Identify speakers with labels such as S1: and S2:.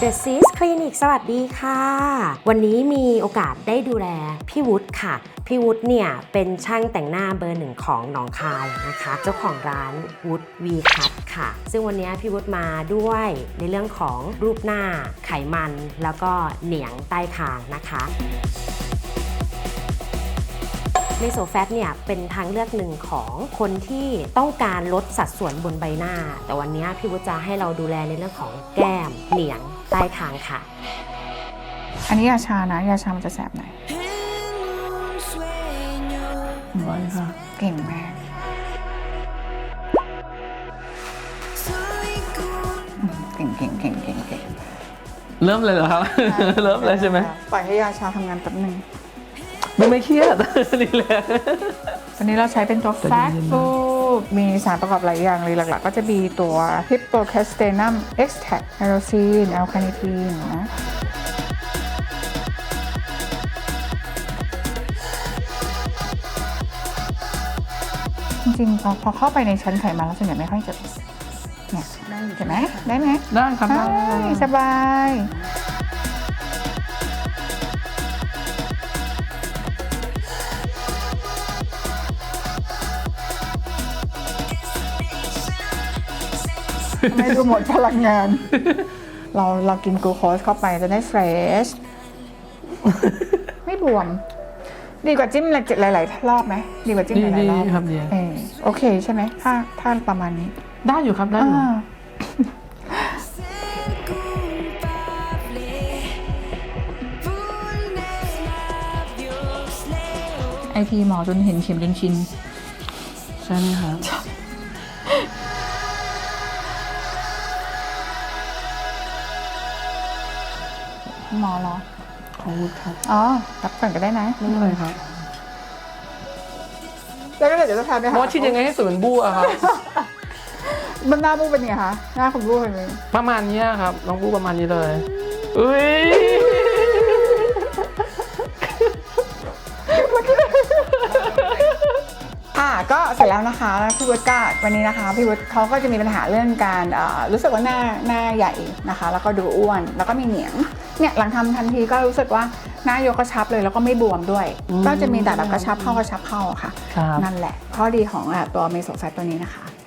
S1: The Sis Clinic สวัสดีค่ะวันนี้มีโอกาสได้ดูแลพี่วุฒิค่ะพี่วุฒิเนี่ยเป็นช่างแต่งหน้าเบอร์หนึ่งของหนองคายนะคะเจ้าของร้านวุฒิวีคัทค่ะซึ่งวันนี้พี่วุฒิมาด้วยในเรื่องของรูปหน้าไขมันแล้วก็เหนียงใต้คางนะคะเมโซแฟตเนี่ยเป็นทางเลือกหนึ่งของคนที่ต้องการลดสัดส่วนบนใบหน้าแต่วันนี้พี่วุฒิจะให้เราดูแลในเรื่องของแก้มเหนียงใต้คางค่ะ
S2: อันนี้ยาชานะยาชามันจะแสบหน่อย
S3: ไว้ค่ะ
S2: เก่งมากเก่ง
S3: เริ่มเลยเหรอครับ เริ่มเลยใช่ไหม
S2: ปล่อยให้ยาชาทำงานแป๊บนึง
S3: ไม่เครียด นี่แหละ
S2: ตอนนี้เราใช้เป็นตัว Fat Food มีสารประกอบหลายอย่างเลยหลักๆก็จะมีตัว Hippocastanum Extract Tyrosine L-carnitine นะจริงๆพอเข้าไปในชั้นไขมันแล้วส่วนใหญ่ไม่ค่อยเจ็บเนี่ยเห็นไหมได้ไหม
S3: ได้ครับได้
S2: สบายไม่ดูหมดพลังงาน เรากินกลูโคสเข้าไปจะได้เฟรช ไม่บวม ดีกว่าจิ้มหลายๆรอบไหมดีกว่าจิ้มหลายๆรอบ
S3: ครับดี
S2: โอเคใช่ไหมถ้าประมาณนี้
S3: ได้อยู่ครับได้อยู่
S2: ไอพีหมอจนเห็นเข็มจนชิน
S3: ใช่ไหมครับ
S2: หมอเหรอ
S3: ของวุฒิครับ
S2: รับก่อนก็ได้นะ
S3: ไม่เป็นไรครับ
S2: แล้วก็เดี๋ยวจะทานไปหา
S3: ว่าชิดยังไงให้สวนบู้อะครับ
S2: มันหน้าบู้เป็นไงคะหน้าคุณบู้เป็นไง
S3: ประมาณนี้ครับน้องบู้ประมาณนี้เลยอุ้ย
S2: ก็เสร็จแล้วนะคะพี่วุฒิก็วันนี้นะคะพี่วุฒิเขาก็จะมีปัญหาเรื่องการรู้สึกว่าหน้าใหญ่นะคะแล้วก็ดูอ้วนแล้วก็มีเหนียงเนี่ยหลังทำทันทีก็รู้สึกว่าหน้ายกกระชับเลยแล้วก็ไม่บวมด้วยก็จะมีแต่แบบกระชับเข้าค่ะนั่นแหละข้อดีของตัวเมโซแฟตตัวนี้นะคะ